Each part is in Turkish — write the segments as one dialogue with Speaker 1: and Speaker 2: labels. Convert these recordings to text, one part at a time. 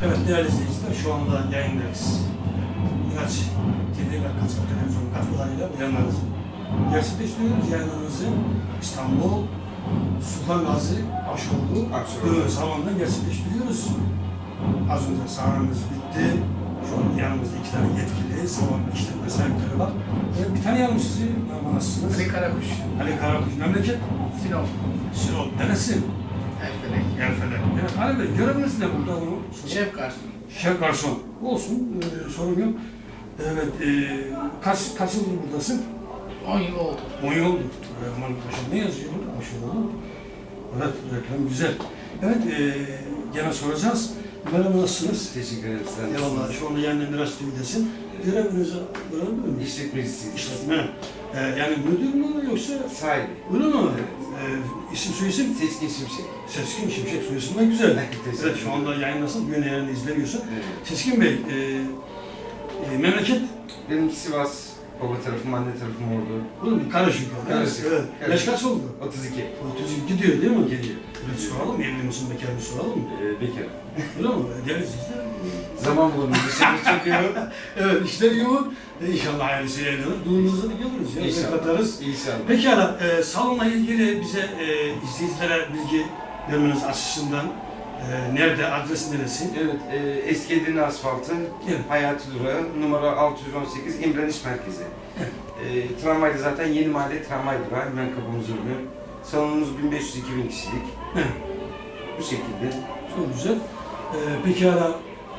Speaker 1: Evet değerli izleyiciler, şu anda yayındayız. İlaç TV ve Kaçak Televizyon katkılarıyla bu yayınlarınızı gerçekleştiriyoruz. Yayınlarınızı İstanbul, Sultan Gazi, Aşoğlu, Dövün salonunda gerçekleştiriyoruz. Az önce sahnemiz bitti. Şu an yanımızda 2 tane yetkili, salon işletme sahipleri var. Bir tanıyalım sizi, nasılsınız?
Speaker 2: Ali Karakuş.
Speaker 1: Ali Karakuş, memleket?
Speaker 2: Sinop.
Speaker 1: Sinop, neresi?
Speaker 2: Elfelek.
Speaker 1: Yerfelek. Evet, Ali Bey, göreviniz ne burada? Onu
Speaker 2: Şef garson.
Speaker 1: Şef garson. Olsun, sorun yok. Evet, kaç yıldır buradasın?
Speaker 2: 10 yıl oldu.
Speaker 1: 10 yıl oldu. Aman paşam ne yazıyor burada? Aşağıda mı? Evet, reklam güzel. Evet, gene soracağız. Merhaba, nasılsınız?
Speaker 3: Teşekkür ederim. Sen
Speaker 1: Eyvallah, şu anda yani Miraç TV'desin. Görevinizi öğrendin mi?
Speaker 3: İşletmecisiyim.
Speaker 1: İşletme. Yani müdür mü yoksa?
Speaker 3: Sahibi.
Speaker 1: Öyle mi?
Speaker 3: Evet.
Speaker 1: İsim soyisim?
Speaker 3: Seçkin Şimşek.
Speaker 1: Seçkin Şimşek soyisimden güzel.
Speaker 3: Teşekkür
Speaker 1: Evet, şu anda yayınlasın, düğün yayını izleniyorsun.
Speaker 3: Evet.
Speaker 1: Seçkin Bey, memleket?
Speaker 3: Benim Sivas, baba tarafım, anne tarafım Ordu.
Speaker 1: Oğlum karışık.
Speaker 3: Karışık.
Speaker 1: Evet.
Speaker 3: Evet.
Speaker 1: Yaş kaç oldu?
Speaker 3: 32.
Speaker 1: 30 gidiyor değil mi?
Speaker 3: Geliyor.
Speaker 1: Evet, soralım mı? Evli misin, bekar mısın, soralım mı?
Speaker 3: Bekarım.
Speaker 1: Öyle mi? Değerli izleyiciler.
Speaker 3: Zaman bulundu. Dışarı çıkıyor.
Speaker 1: Evet, işler yoğun. İnşallah hayırlısı yayınlanır. Düğününüzü de geliriz ya.
Speaker 3: İnşallah.
Speaker 1: Katarız.
Speaker 3: İnşallah.
Speaker 1: Pekala, salonla ilgili bize izleyicilere bilgi vermeniz açısından nerede, adres neresi?
Speaker 3: Evet, eski Edirne asfaltı,
Speaker 1: Evet.
Speaker 3: Hayati Durağı, numara 618, İmreniş Merkezi. Tramvayda zaten Yeni Mahalle tramvay durağı, hemen kapımız ürünü. Salonumuz 1500-2000 kişilik.
Speaker 1: Evet.
Speaker 3: Bu şekilde.
Speaker 1: Çok güzel. Pekala,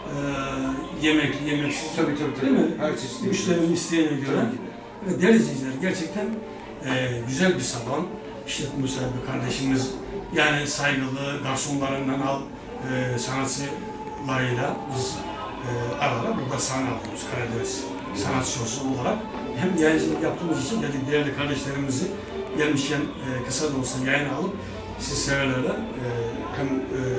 Speaker 1: yemeksiz.
Speaker 3: Tabii.
Speaker 1: Değil mi?
Speaker 3: Her çeşit.
Speaker 1: Müşterinin isteğine göre.
Speaker 3: Tabii ki de.
Speaker 1: Evet, değerli izleyiciler, gerçekten güzel bir salon. İşletme sahibi kardeşimiz, yani saygılı garsonlarından al, sanatçılarıyla biz ara ara burada sahne alıyoruz Karadeniz sanatçısı olarak. Hem yayıncılık yaptığımız için dedik değerli kardeşlerimizi gelmişken kısa da olsa yayın alıp siz severlerle hem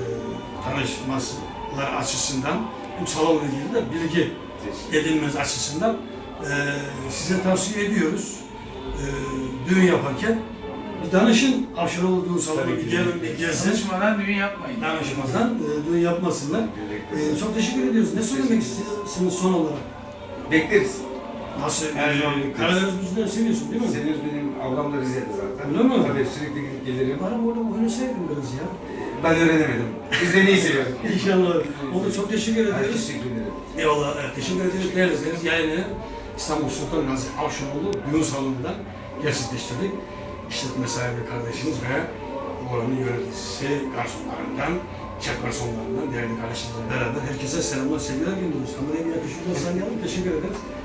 Speaker 1: tanışmalar açısından hem salonla ilgili de bilgi edinmeniz açısından size tavsiye ediyoruz. Düğün yaparken bir danışın, aşırı olduğu salonu bir gelin, bir gezsin.
Speaker 2: Danışmadan düğün yapmayın.
Speaker 1: Danışmadan düğün yapmasınlar. Çok teşekkür ediyoruz. Ne söylemek istiyorsunuz son olarak?
Speaker 3: Bekleriz.
Speaker 1: Nasıl?
Speaker 3: Her zaman bekleriz.
Speaker 1: Karadeniz müziğini seviyorsun değil mi?
Speaker 3: Seviyoruz, benim ablam da Rize'de zaten.
Speaker 1: Öyle mi?
Speaker 3: Tabii sürekli gidip gelirim.
Speaker 1: Bana orada oynasaydın biraz ya.
Speaker 3: Ben öğrenemedim. Rize'yi seviyorum.
Speaker 1: İnşallah. Oldu, çok teşekkür
Speaker 3: Ben
Speaker 1: ederiz.
Speaker 3: teşekkür ederim.
Speaker 1: Eyvallah, teşekkür ederiz. Değerli izleyiciler, yayını İstanbul Sultan Gazi Avşaroğlu düğün salonundan gerçekleştirdik. İşletme sahibi kardeşimiz ve oranın yöneticisi garsonlarından, şef garsonlarından değerli kardeşimizle beraber herkese selamlar, sevgiler gönderiyoruz. Kameraya bir yakışıklı sanıyalım. Teşekkür ederiz.